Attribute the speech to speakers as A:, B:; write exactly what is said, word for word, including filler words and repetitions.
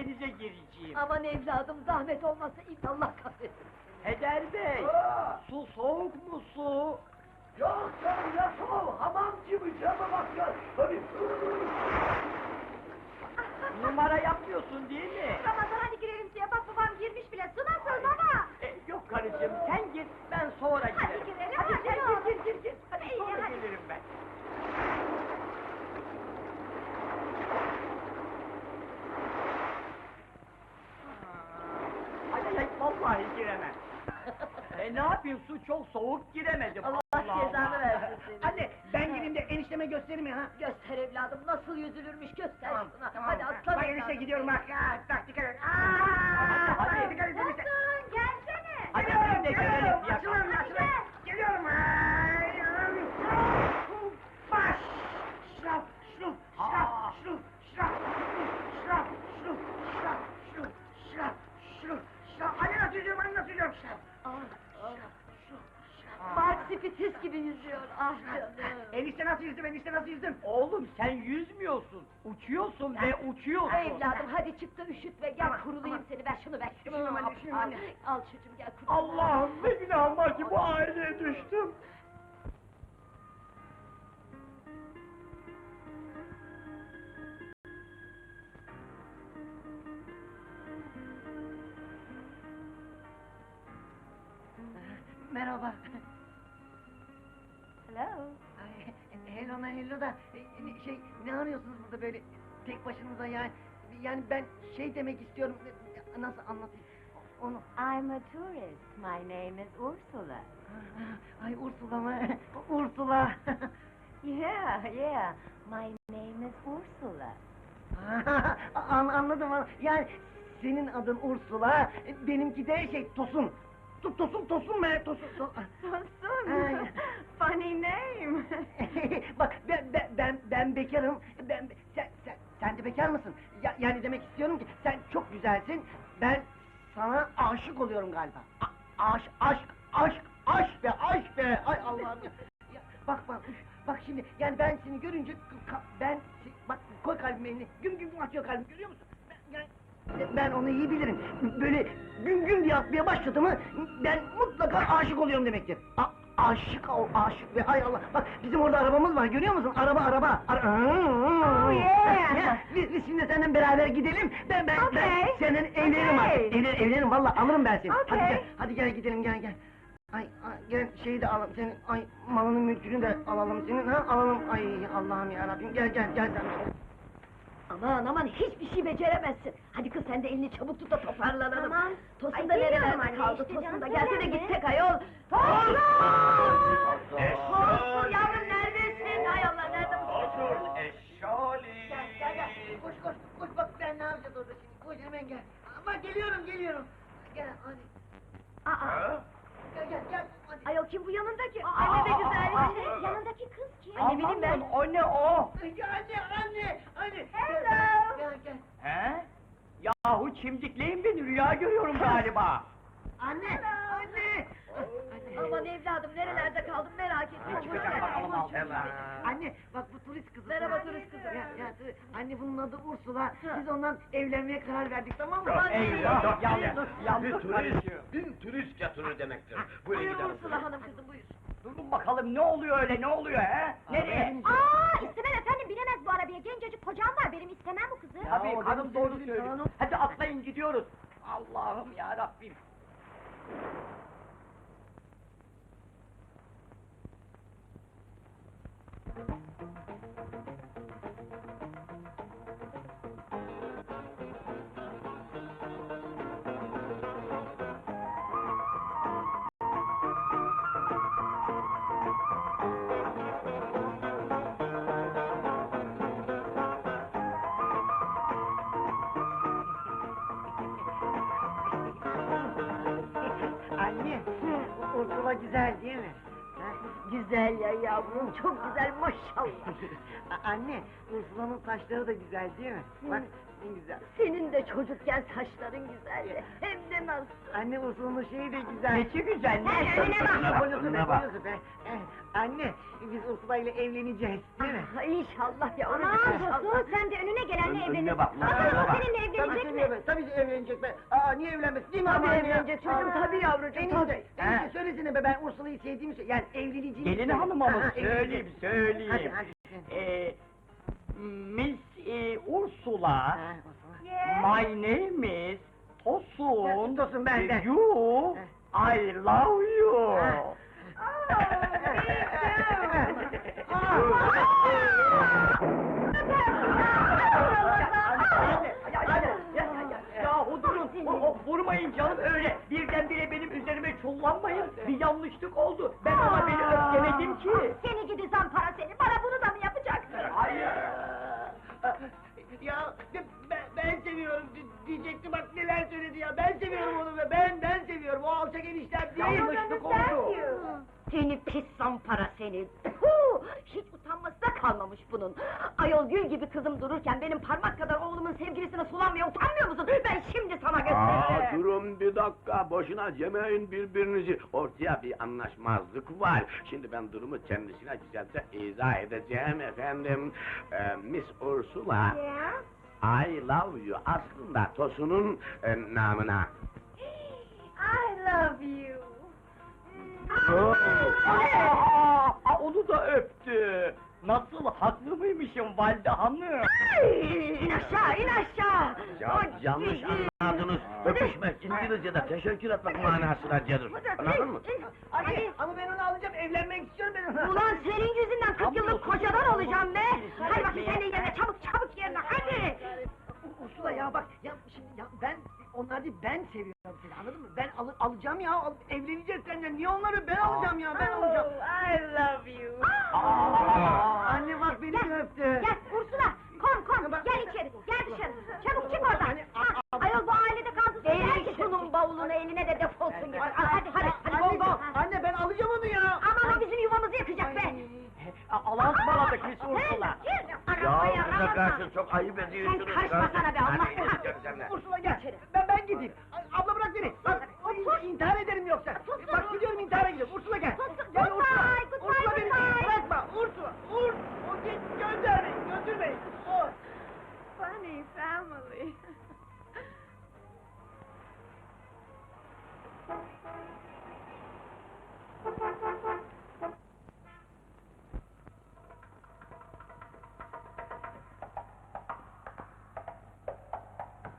A: denize gireceğim.
B: Aman evladım, zahmet olmasa Allah kahretsin.
A: Heder Bey,
C: Aa!
A: su soğuk mu su?
C: Yok canım ya soğuk, hamam gibi cama bak ya. Tabii.
A: Numara yapmıyorsun değil mi?
B: Ramazan hadi girelim suya, bak babam girmiş bile, su nasıl baba?
A: E, yok karıcığım, sen git, ben sonra
B: Hadi
A: girerim.
B: girelim,
A: Hadi
B: hadi
A: sen
B: ne olur.
A: gir, gir, gir, gir. Hadi
B: İyi,
A: sonra
B: hadi.
A: gelirim ben. Ay ay ay, vallahi giremem. E ne yapayım, su çok soğuk, giremedim.
B: Allah cezanı versin seni.
C: Anne ben gireyim de enişteme göstereyim ya ha.
B: Göster evladım, nasıl yüzülürmüş göster
C: Tamam,
B: şuna.
C: tamam.
B: Hadi aslan
C: Bak
B: evladım.
C: enişte gidiyorum bak. Aa, bak dikkat et. Aa,
A: Hadi, hadi.
C: dikkat et enişte.
B: Tosun gelsene.
A: Hadi
C: Geliyorum,
A: biz de
C: geliyorum.
A: girelim ya.
C: Açılın,
B: Hadi
C: açılın.
B: gel.
C: Geliyorum. Ay, ay. Baş. Şraf, şruf, şraf,
A: Aa.
C: şruf, şraf, şraf, şruf, şraf, şruf, şraf, şruf, şraf. Anne nasıl yüzüyorum, anne nasıl yüzüyorum? Şraf,
B: Ah, ah.
C: şruf, şraf.
B: Mark Spitis gibi yüzüyor, ah canım.
C: Enişte nasıl yüzdüm, enişte nasıl yüzdüm?
A: Oğlum sen yüzmüyorsun, uçuyorsun ve uçuyorsun.
B: Evladım hadi çık da üşüt ve gel
C: Aman,
B: kurulayım
C: aman.
B: seni, ver şunu ver şunu.
C: Üşümem anne,
B: Al,
C: üşümem
B: al.
C: anne.
B: Al çocuğum gel kurula.
A: Allah'ım ne günahım var ki bu aileye düştüm.
C: Merhaba.
B: Hello.
C: Ay, hello na hello da e, şey ne arıyorsunuz burada böyle tek başınıza yani yani ben şey demek istiyorum nasıl anlatayım onu.
D: I'm a tourist. My name is Ursula.
C: Ay Ursula mı? Ursula.
D: Yeah, yeah. My name is Ursula.
C: An anladım an- yani senin adın Ursula benimki de şey Tosun. Tu- Tosun Tosun be Tosun. To-
D: Tosun.
C: Ay.
D: Funny name.
C: Bak ben ben ben, ben bekarım. Ben sen sen sen de bekar mısın? Ya, yani demek istiyorum ki sen çok güzelsin. Ben sana aşık oluyorum galiba. A- aşk aşk aşk aşk be aşk be. Ay Allah'ım ya. Ya, bak bak üf, bak şimdi yani ben seni görünce ka- ben bak koy kalbime elini. Güm güm atıyor kalbim görüyor musun? Ben, yani, ben onu iyi bilirim. Böyle gün gün diye atmaya başladı mı ben mutlaka aşık oluyorum demektir. A aşık ol, aşık ve hay Allah. Bak bizim orada arabamız var görüyor musun? Araba araba. Ara
D: Oh, yeah.
C: Ya, biz, biz şimdi seninle beraber gidelim. Ben ben, ben
D: Okay.
C: senin evlenirim
D: Okay.
C: artık. Evlen, evlenirim valla alırım ben seni. Hadi
D: Okay.
C: gel, hadi gel gidelim gel gel. Ay, ay gel şeyi de alalım senin ay malını mülkünü de alalım senin ha alalım. Ay Allah'ım ya Rabbim gel gel gel sen.
B: Aman aman hiçbir şey beceremezsin. Hadi kız sen de elini çabuk tut da toparlanalım.
D: Tamam.
B: Tosun
D: Ay,
B: da
D: geliyorum
B: nerelerde
D: anne,
B: kaldı?
D: işte
B: Tosun da
D: canım,
B: gelsene
D: söyleme.
B: gitsek ayol. Tosun! Tosun yavrum neredesin? Hay Allah nerede bu?
A: Otur eşşali.
C: Gel gel gel koş koş koş bak ben ne yapacağız orada şimdi koş hemen gel. Ama geliyorum geliyorum. Gel hadi
B: Aa,
C: gel gel gel hadi.
B: ayol kim bu yanındaki?
A: Aa,
B: Anne ne
A: aa,
B: güzel.
A: aa,
B: şey.
A: aa.
D: Yanındaki kız kim?
B: Ay, ne bileyim ben.
A: Amanın, o ne o?
C: Ay, Anne anne anne.
B: Hello.
C: Gel gel.
A: He? Yahu çimdikleyin beni, rüya görüyorum galiba.
C: Anne anne. Anne.
B: Aman evladım nerelerde kaldın merak etme.
A: Ne çıkacak bakalım altından.
C: Anne bak bu turist kızı.
B: Merhaba turist kızı.
C: Ya, ya, tu- anne bunun adı Ursula. Biz ondan evlenmeye karar verdik tamam mı?
B: Aman
A: Eyvah, yandık,
E: Bir
A: yandık
E: turist,
A: karıcığım.
E: bir turist getirir demektir. Buyurun
B: Buyur
E: gidelim.
B: Ursula hanım kızım buyur.
A: Durun bakalım ne oluyor öyle, ne oluyor he? Nereye?
D: Aa, istemem efendim, binemez bu arabaya. Gencecik kocam var, benim istemem bu kızı.
A: Tabii
C: o
A: hanım
C: benim
A: doğru
C: sevgilim,
A: söylüyor.
C: hanım.
A: Hadi atlayın gidiyoruz. Allah'ım ya Rabbim.
C: Anne, Ursula güzel değil mi? Ha?
B: Güzel ya yavrum çok güzel maşallah.
C: A- Anne, Ursula'nın saçları da güzel değil mi? Bak, en güzel.
B: Senin de çocukken saçların güzeldi. Hem de nasıl.
C: Anne Ursul'un şeyi de güzel.
A: Nesi güzel, ne?
D: Sen önüne bak.
C: Ne boyusu be,
E: Önüne bak.
C: boyusu be. Eh, Anne, biz Ursula ile evleneceğiz, değil mi?
B: Ah, İnşallah yavrum.
D: Aman
B: inşallah.
D: Tosun, sen de önüne gelenle
E: Ön- önüne
D: evlenirsin.
E: bak,
D: Bakalım
E: önüne
D: o
E: bak.
D: seninle
C: Tabii
D: evlenecek
C: ki
D: mi?
C: evlen- tabii ki evlenecek be. Aa, niye evlenmesin, değil mi
B: Tabii
C: ama anne ya?
B: evlenecek çocuğum,
C: Aa,
B: tabii yavrucuğum,
C: Enişte,
B: tabii.
C: enişte
A: He.
C: söylesene be, ben Ursula'yı sevdiğimi söyle. Yani evleneceğimi
A: Gelin
C: söyle.
A: hanıma mı?
C: Aha,
A: Söyleyeyim,
C: evleneceğim.
A: söyleyeyim.
C: Hadi, hadi.
A: Ee, Miss e, Ursula,
C: Ha, Ursula.
A: my name is Tosun.
C: Tosun, ben, ben.
A: You, I love you.
C: Ha.
A: Yahu durun, o, o, vurmayın canım öyle. Birdenbire benim üzerime çullanmayın. Bir yanlışlık oldu. Ben ona beni öfkeledim ki.
D: Seni gidi zampara seni, bana bunu da mı yapacaksın?
A: Hayır.
C: Ya ben, ben seviyorum di- diyecekti, bak neler söyledi ya. Ben seviyorum onu be, ben ben seviyorum. O alçak eniştem değil.
A: Yanlışlık oldu.
B: Seni pis zampara seni! Puh! Hiç utanması da kalmamış bunun! Ayol gül gibi kızım dururken benim parmak kadar oğlumun sevgilisine sulanmaya utanmıyor musun? Ben şimdi sana
E: Aa,
B: gösteririm!
E: durun bir dakika, boşuna yemeyin birbirinizi. Ortaya bir anlaşmazlık var. Şimdi ben durumu kendisine güzelce izah edeceğim efendim. Ee, Miss Ursula, I love you aslında Tosun'un e, namına.
D: I love you.
A: Aa, aa, onu da öptü. Nasıl, haklı mıymışım valide hanım?
B: İn aşağı, in aşağı!
E: Ya
B: Ay,
E: yanlış
B: iyi.
E: anladınız. Öpüşmek İngilizce'de teşekkür etmek manasına gelir. Anladın mı?
C: Hadi. Ama ben onu alacağım, evlenmek istiyorum ben ona.
B: Ulan senin yüzünden kırk yıllık kocadan olacağım be! Hadi bakayım sen de yerine, çabuk çabuk yerine, hadi!
C: Ursula ya bak, ya şimdi ya ben, onlar değil, ben seviyorum seni, anladın mı? Ben al, alacağım ya, al, evleneceğiz seninle, niye onları ben alacağım ya, ben alacağım.
B: I love you!
C: Aa, anne bak beni de öptü.
D: Gel Ursula, kom kom,
C: Bak-
D: gel içeri, gel dışarı. Çabuk çık oradan.
C: Anne,
D: Ha,
C: a- a-
D: ayol bu ailede kaldı.
B: Eğil şunun bavulunu eline de defolsun git!
C: Hadi,
B: Hadi hadi hadi,
C: anne,
B: bol bol!
C: anne ben alacağım onu ya.
B: Aman o bizim yuvamızı yakacak be!
A: Allah'a ısmarladık Miss Ursula.
E: Ya bize karşı çok ayıp ediyorsunuz.
B: Sen karışma sana be, Allah
E: Hadi.